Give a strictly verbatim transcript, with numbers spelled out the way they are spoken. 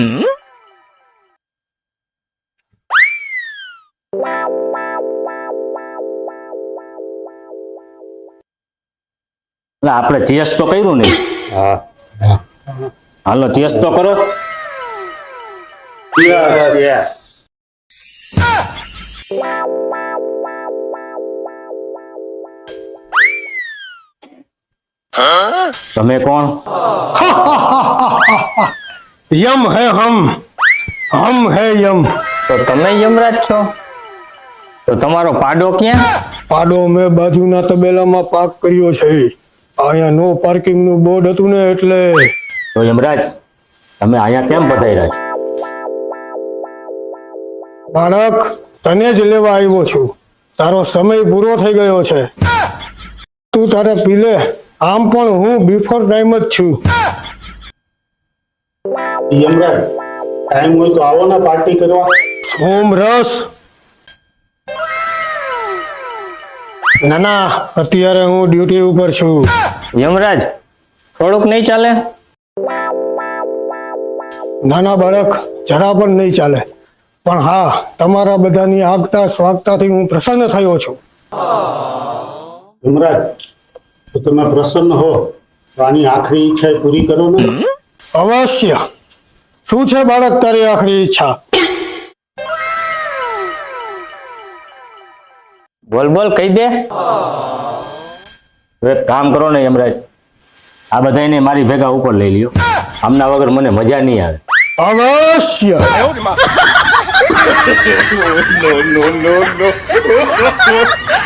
આપણે ચેસ તો કર્યું ને. હા હાલો ચેસ તો કરો. તમે કોણ? यम है हम हम है यम। તો તમે યમરાજ છો? તો તમારો પાડો ક્યાં? પાડો મેં બાજુના તબેલામાં પાક કર્યો છે. અહીંયા નો પાર્કિંગ નું બોર્ડ હતું ને એટલે. તો યમરાજ તમે અહીંયા કેમ પધાર્યા છો? બાળક તને જ લેવા આવ્યો છું. તારો સમય પૂરો થઈ ગયો છે. તું તારે પી લે. આમ પણ હું બિફોર ટાઈમ જ છું. યમરાજ ટાઈમ હોય તો આવો ને પાર્ટી કરવા. સોમરસ ના ના અત્યારે હું ડ્યુટી ઉપર છું. યમરાજ થોડુંક નહીં ચાલે? નાના બાળક જરા પણ નહીં ચાલે. પણ હા, તમારા બધાની આગતા સ્વાગતાથી હું પ્રસન્ન થયો છું. યમરાજ તો તમે પ્રસન્ન હો તો આની આખરી ઈચ્છા પૂરી કરો ને. અવશ્ય. શું છે બાળક તારી આખરી ઈચ્છા? બોલ બોલ કહી દે. એક કામ કરો ને યમરાજ, આ બધાને મારી ભેગા ઉપર લઈ લ્યો. આમના વગર મને મજા નહીં આવે. અવશ્ય. no, no, no, no.